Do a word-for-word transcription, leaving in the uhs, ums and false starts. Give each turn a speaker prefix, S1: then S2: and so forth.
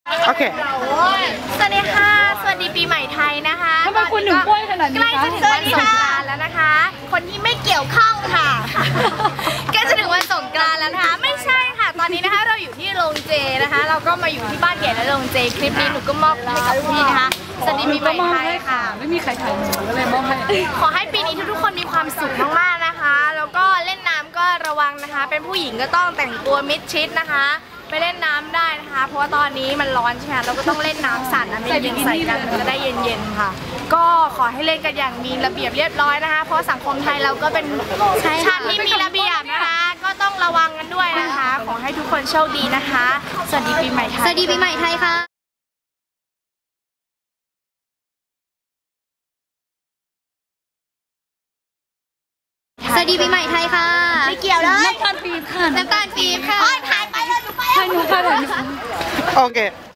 S1: โอเค
S2: สวัสดีค่ะสวัสดีปีใหม่ไทยนะคะ
S3: ทำไมคุณถึงป่วยขนาดนี้คะ
S2: ใกล้จะถึงวันสงกรานต์แล้วนะคะคนที่ไม่เกี่ยวข้องค่ะใกล้จะถึงวันสงกรานต์แล้วนะคะไม่ใช่ค่ะตอนนี้นะคะเราอยู่ที่โรงเจนะคะเราก็มาอยู่ที่บ้านเก๋และโรงเจคลิปนี้หนูก็มอบให้กับพี่นะคะสวัสดีปีใหม่ไทยค่ะ
S3: ไม่มีใครถ่ายหนูก็เลยมอบให้
S2: ขอให้ปีนี้ทุกๆคนมีความสุขมากๆนะคะแล้วก็เล่นน้ำก็ระวังนะคะเป็นผู้หญิงก็ต้องแต่งตัวมิดชิดนะคะไปเล่นน้ำได้นะคะเพราะว่าตอนนี้มันร้อนใช่ไหมเราก็ต้องเล่นน้ำสั่นนะไม่ยิงใส่กันมันจะได้เย็นๆค่ะก็ขอให้เล่นกันอย่างมีระเบียบเรียบร้อยนะคะเพราะสังคมไทยเราก็เป็นชาติที่มีระเบียบนะคะก็ต้องระวังกันด้วยนะคะขอให้ทุกคนโชคดีนะคะสวัสดีปีใหม่ไทย
S4: สวัสดีปีใหม่ไทยค่ะสวัสดีปีใหม่ไทยค่ะ
S2: ไม่เกี่ยวเลย
S3: น้ำตาลปี๊บค่ะ
S4: น้ำตาลปี๊บค่ะ
S2: ถ่ายไปเลยหนูไป
S3: ถ่ายหนูค่ะถ่ายหนู
S1: โอเค